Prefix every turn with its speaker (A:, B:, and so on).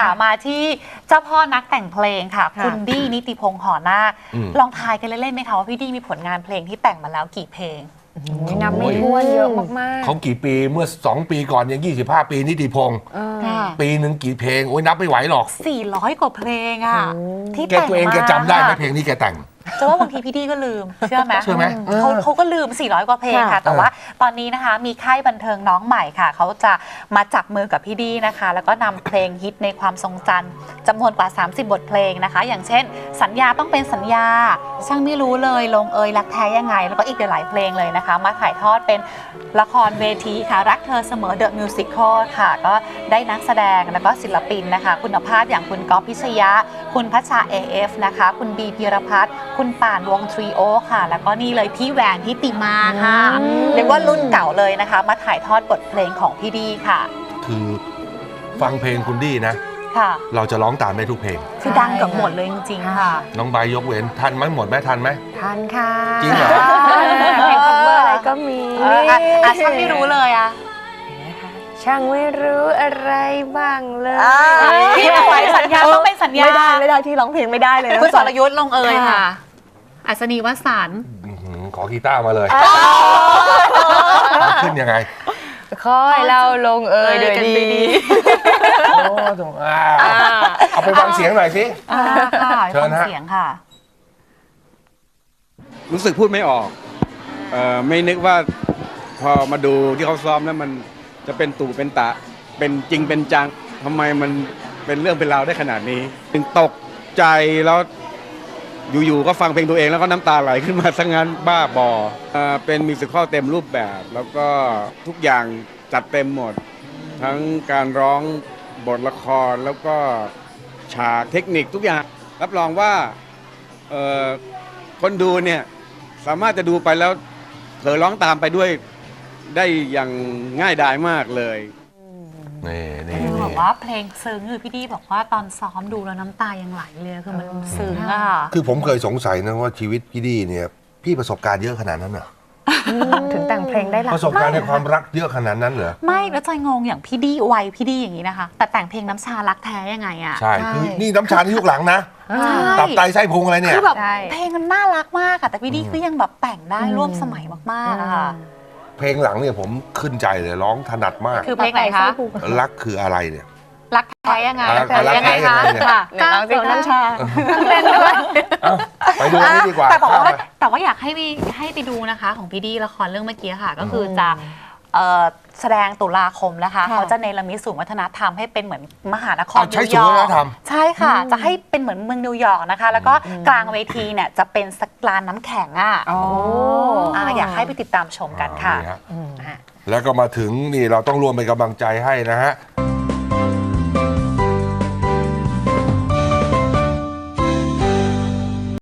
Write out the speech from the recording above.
A: ค่ะมาที่เจ้าพ่อนักแต่งเพลงค่ะคุณดี้นิติพงษ์หอนาคลองทายกันเล่นๆไหมคะว่าพี่ดี้มีผลงานเพลงที่แต่งมาแล้วกี่เพลง
B: นับไม่ถ้วนเยอะมากๆ
C: เขากี่ปีเมื่อ2 ปีก่อนยัง25 ปีนิติพงษ์ปีหนึ่งกี่เพลงโอ้ยนับไม่ไหวหรอก
A: 400 กว่าเพลงอ่ะที่
C: แก
A: แต่ง
C: ตัวเองแกจำได้ไหมเพลงนี้แกแต่ง
A: จะว่าบางทีพี่ดี้ก็ลืมเชื่อไหมเขาก็ลืม400 กว่าเพลงค่ะแต่ว่าตอนนี้นะคะมีค่ายบันเทิงน้องใหม่ค่ะเขาจะมาจับมือกับพี่ดี้นะคะแล้วก็นำเพลงฮิตในความทรงจำจำนวนกว่า30 บทเพลงนะคะอย่างเช่นสัญญาต้องเป็นสัญญาช่างไม่รู้เลยลงเอยรักแท้ยังไงแล้วก็อีกหลายเพลงเลยนะคะมาถ่ายทอดเป็นละครเวทีค่ะรักเธอเสมอ The Musical ค่ะก็ได้นักแสดงแล้วก็ศิลปินนะคะคุณภาพอย่างคุณก๊อฟพิชยะคุณพัชชา AF นะคะคุณบีพีรพัฒน์คุณป่านวงทรีโอค่ะแล้วก็นี่เลยพี่แหวนทิติมาค่ะเรียกว่ารุ่นเก่าเลยนะคะมาถ่ายทอดบทเพลงของพี่ดี้ค่ะ
C: คือฟังเพลงคุณดี้นะเราจะร้องตามได้ทุกเพลง
A: คือดังเกือบหมดเลยจริงๆค่ะ
C: น้องใบยกเว้นทันไหมหมดไหมทันไหม
B: ทันค่ะ
C: จริงเหรอ
B: เพลง cover อะไรก็มี
A: ช่างไม่รู้เลยอะ
B: ช่างไม่รู้อะไรบ้างเลย
A: พี่ถวายสัญญาต้องเป็นสัญญา
B: ไม่ได้ที่ร้องเพลงไม่ได้เลย
A: คุณสรยุทธ์ลงเอยค่ะอัศนีวสันต์
C: ขอกีตาร์มาเลยขึ้นยังไง
B: คอยเราลงเอยโดยดี
C: เอาไปฟังเสียงหน่อยสิ
A: เชิญเสียงค่ะ
D: รู้สึกพูดไม่ออกไม่นึกว่าพอมาดูที่เขาซ้อมแล้วมันจะเป็นตู่เป็นตะเป็นจริงเป็นจังทำไมมันเป็นเรื่องเป็นราวได้ขนาดนี้ถึงตกใจแล้วอยู่ๆก็ฟังเพลงตัวเองแล้วก็น้ำตาไหลขึ้นมาซะงั้นบ้าบอเป็นมิวสิคัลเต็มรูปแบบแล้วก็ทุกอย่างจัดเต็มหมดทั้งการร้องบทละครแล้วก็ฉากเทคนิคทุกอย่างรับรองว่าคนดูเนี่ยสามารถจะดูไปแล้วเผลอร้องตามไปด้วยได้อย่างง่ายดายมากเลย
C: นี่
A: บอกว่าเพลงซึ้งคือพี่ดี้บอกว่าตอนซ้อมดูแล้วน้ำตายังไหลเลยคือมันซึ้งอะ
C: คือผมเคยสงสัยนะว่าชีวิตพี่ดี้เนี่ยพี่ประสบการณ์เยอะขนาดนั้นเหรอ
B: ถึงแต่งเพลงได้หลาย
C: ประสบการณ์ในความรักเยอะขนาดนั้นเหรอ
A: ไม่แล้วใจงงอย่างพี่ดี้วัยพี่ดี้อย่างนี้นะคะแต่แต่งเพลงน้ำชารักแท้ยังไงอะ
C: ใช่คือนี่น้ำชาที่ยุคหลังนะตับไตไส้พุงอะไรเนี่ย
A: คือแบบเพลงมันน่ารักมากอะแต่พี่ดี้ก็ยังแบบแต่งได้ร่วมสมัยมากๆอะค่ะ
C: เพลงหลังเนี่ยผมขึ้นใจเลยร้องถนัดมาก
A: คือเพลงไหนคะ
C: รักคืออะไรเนี่ย
A: รักแท้ยังไง
C: ยังไงคะ
B: ก้าวเป็นน้ำชา
A: เล่นด้วย
C: ไปดูนี่ดีกว่า
A: แต่ว่าอยากให้ไปดูนะคะของพี่ดี้ละครเรื่องเมื่อกี้ค่ะก็คือจะแสดงตุลาคมนะคะเขาจะเนรมิตศูนย์วัฒนธรรมให้เป็นเหมือนมหานครนิวยอร์กใช่ค่ะจะให้เป็นเหมือนเมืองนิวยอร์กนะคะแล้วก็กลางเวทีเนี่ยจะเป็นสกลานน้ำแข็งอยากให้ไปติดตามชมกันค่ะ
C: แล้วก็มาถึงนี่เราต้องรวมเป็นกำลังใจให้นะฮะ